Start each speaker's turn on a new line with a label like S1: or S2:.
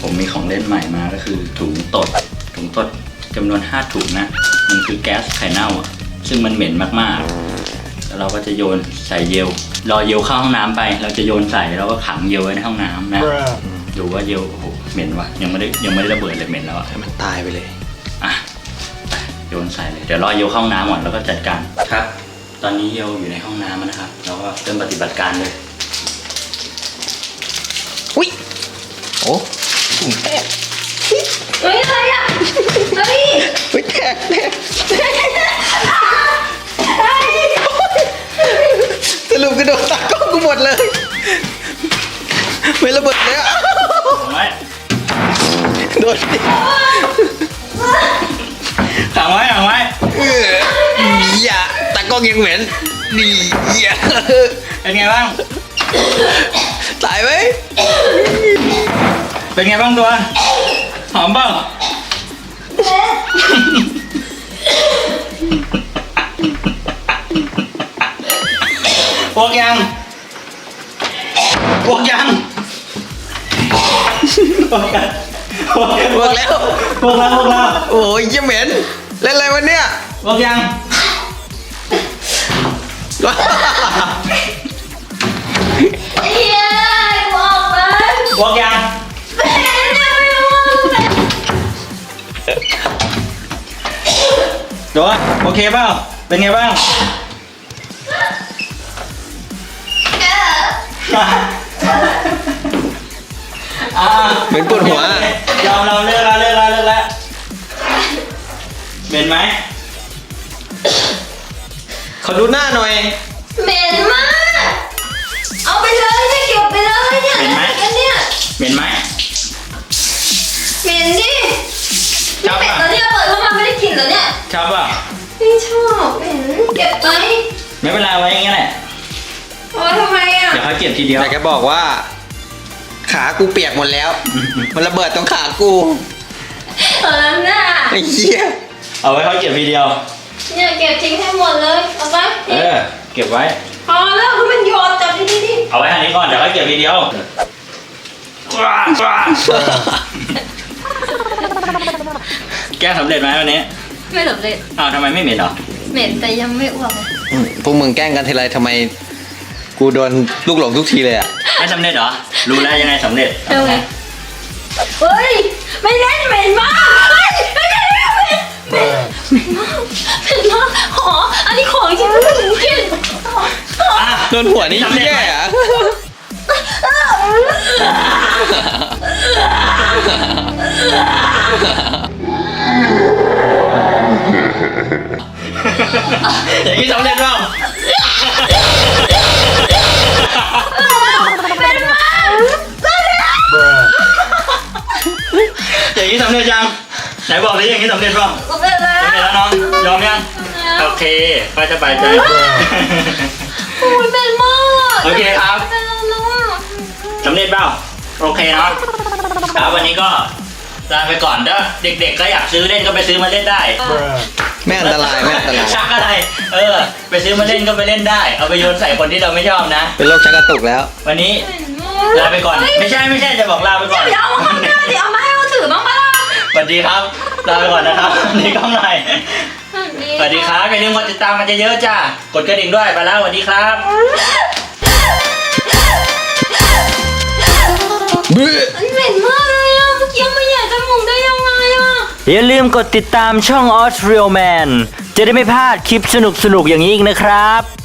S1: ผมมีของเล่นใหม่มาก็คือถุงตดจำนวน5ถุงนะมันคือแก๊สไข่เน่าอ่ะซึ่งมันเหม็นมากๆแล้วเราก็จะโยนใส่เยลรอเยลเข้าห้องน้ำไปเราจะโยนใส่แล้วก็ขังเยลไว้ในห้องน้ำนะดูว่าเยลโอ้โหเหม็นวะยังไม่ได้ระเบิดเลยเหม็นแล้วอ่ะให้มันตายไปเลยอ่ะโยนใส่เลยเดี๋ยวรอเยลเข้าห้องน้ำก่อนแล้วก็จัดการครับตอนนี้เยลอยู่ในห้องน้ำนะครับเราก็เริ่มปฏิบัติการเลย
S2: อุ้ยโอ้ถุงแตก
S3: เฮ้ยอะไรอ่ะเฮ้ย
S2: อุ้ยแตกสรุปกระโดดตากล้องกูหมดเลยไม่ระเบิดเลยอ่ะ
S1: ไว้
S2: โดนดิ
S1: ขังไว้
S2: อย่าตากล้องยังเหม็นดีอย่า
S1: เป็นไงบ้าง
S2: ตายไหม
S1: เป็นไงบ้างตัวหอมเปล่าพวกยัง
S2: พวกแล้วโอ้ยยังเหม็นเล่นอะไรวะเนี่ย
S1: พวกยัง
S3: เฮ้ยบอกเลย
S1: พวกยัง
S3: เป็นยังไม่รู้เป็น
S1: ตัวโอเคเปล่าเป็นไงบ้าง
S2: เหม็นปวดหัวย
S1: อมเราเลิกแล้วเหม็นไหม
S2: ขอดูหน้าหน่อย
S3: เหม็นมากเอาไปเลยเนี่ยเก็บไปเลยเนี่ยกันเนี่ย
S1: เหม็นไหม
S3: เหม็นดินี่เป็ดตัวเนี่ยเปิดเข้ามาไม่ได้กลิ่นเหรอเนี่ย
S1: ชอบเปล่า
S3: ไม่ชอบเหม็นเก็บไป
S1: ไม่เป็นไรไว้อย่างเงี้ยแหละ
S3: เอาทำไมอ่ะ
S1: เดี๋ยวเขาเก็บทีเดียว
S2: อยากจะบอกว่า ขากูเปียกหมดแล้ว มันระเบิดตรงขากู
S3: น่ะ
S2: ไอ้เหี้ย
S1: เอาไว้เขาเก็บทีเดียว
S3: เนี่ยเก็บทิ้งให้หมดเลยเอาไป
S1: เก็บไว้
S3: พอแล้วคือมันโยนจับดิ
S1: เอาไว้อันนี้ก่อนเดี๋ยวเขาเก็บทีเดียวแก้สำเร็จไหมวันนี้
S3: ไม่สำเร็จ
S1: อ้าวทำไมไม่เหม็นหรอ
S3: เหม็นแต่ยังไม่อ้วก
S2: พวกมึงแกล้งกันทีไรทำไมกูโดนลูกหลงทุกทีเลยอ่ะ
S1: ไม่สำเร็จเหรอรู้แล้วยังไงสำเร็จ
S3: เฮ้ยเฮ้ยไม่เล่นเหม็นมากเฮ้ยไม่เล่นเหม็นเหม็นมากขออันนี้ของจริงไม่ถึงกิน
S2: โดนหัวนี่แย่อะ
S1: อย่างนี้สำเร็จเปล่าอย่างนี้สำเร็จยังไหนบอกเลยอย่างนี้สำเร็จเปล่า
S3: สำเร็จแล้ว
S1: สำเร็จแล้วน้องยอมยังโอเคก็จะไปใจ
S3: โอ้ยเหม็นมาก
S1: โอเคครับ
S3: เป็นแล้วนะ
S1: สำเร็จเปล่าโอเคเนาะครับวันนี้ก็ลาไปก่อนถ้าเด็กๆก็อยากซื้อเล่นก็ไปซื้อมาเล่นได้
S2: ไม่อันตรายไม่อันตราย
S1: ชักอะไรไปซื้อมาเล่นก็ไปเล่นได้เอาไปโยนใส่คนที่เราไม่ชอบนะ
S2: เป็นโรคชักกระตุกแล้ว
S1: วันนี้
S3: เหม็นมาก
S1: ลาไปก่อนไม่ใช่จะบอกลาไปก่อน
S3: เดี๋ยวเอามาข้างหน้าดิเอามาให้เขาถือบ้างปะล่ะ
S1: สวัสดีครับลาไปก่อนนะครับนี่กล้องหน่อยสวัสดีครับอย่าลืมกดติดตามกันเยอะๆจ้ากดกระดิ่งด้วยไปแล้วสวัสดีครับ
S3: มันเหม็นมากเลยอ่ะเมื่อกี้มันใหญ่จมูกได้ยังไงอ่ะ
S1: อย่าลืมกดติดตามช่อง Australia Man จะได้ไม่พลาดคลิปสนุกๆอย่างนี้อีกนะครับ